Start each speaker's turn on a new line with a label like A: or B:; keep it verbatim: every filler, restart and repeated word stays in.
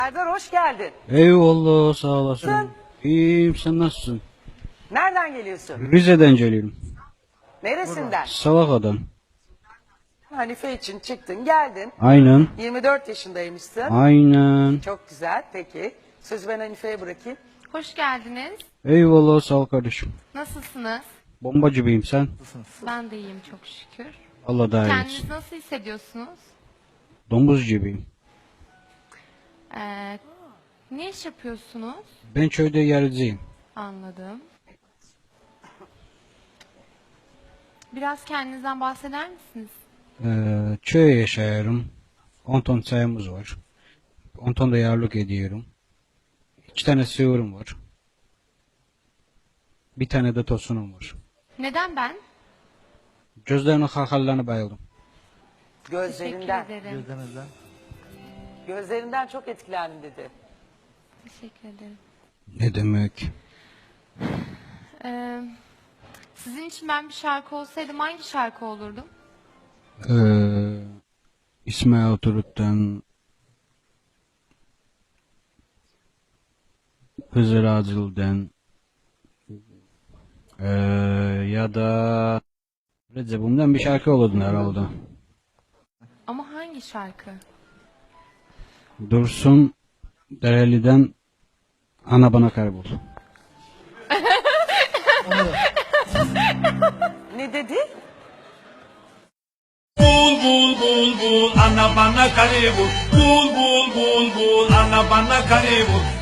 A: Serdar hoş geldin.
B: Eyvallah, sağ olasın. İyiyim, sen nasılsın?
A: Nereden geliyorsun?
B: Rize'den geliyorum.
A: Neresinden?
B: Salaka'dan.
A: Hanife için çıktın geldin.
B: Aynen.
A: yirmi dört yaşındaymışsın.
B: Aynen.
A: Çok güzel peki. Sözü ben Hanife'ye bırakayım.
C: Hoş geldiniz.
B: Eyvallah, sağ ol kardeşim.
C: Nasılsınız?
B: Bombacı gibiyim sen.
C: Ben de iyiyim çok şükür.
B: Allah daha iyi
C: Kendinizi
B: etsin.
C: nasıl hissediyorsunuz?
B: Domuz gibiyim.
C: Ee, ne iş yapıyorsunuz?
B: Ben köyde yerciyim.
C: Anladım. Biraz kendinizden bahseder misiniz?
B: Ee, köye yaşıyorum. on ton çayımız var. on ton da yarlık ediyorum. İki tane sığırım var. Bir tane de tosunum var.
C: Neden ben?
B: Gözlerinin hakallarına bayıldım.
C: Teşekkür
A: Gözlerinden.
C: ederim.
A: Gözlerinden çok etkilendim dedi.
C: Teşekkür ederim.
B: Ne demek?
C: Ee, sizin için ben bir şarkı olsaydım hangi şarkı olurdum?
B: Ee, İsmail Turut'tan Hızır Acıl'dan ee, ya da Recep'imden bir şarkı olurdun herhalde.
C: Ama hangi şarkı?
B: Dursun Dereli'den Ana Bana Kaybol.
A: Ne dedi?
D: Bul bul bul bul ana bana kare bul. Bul bul bul bul ana bana kare bul.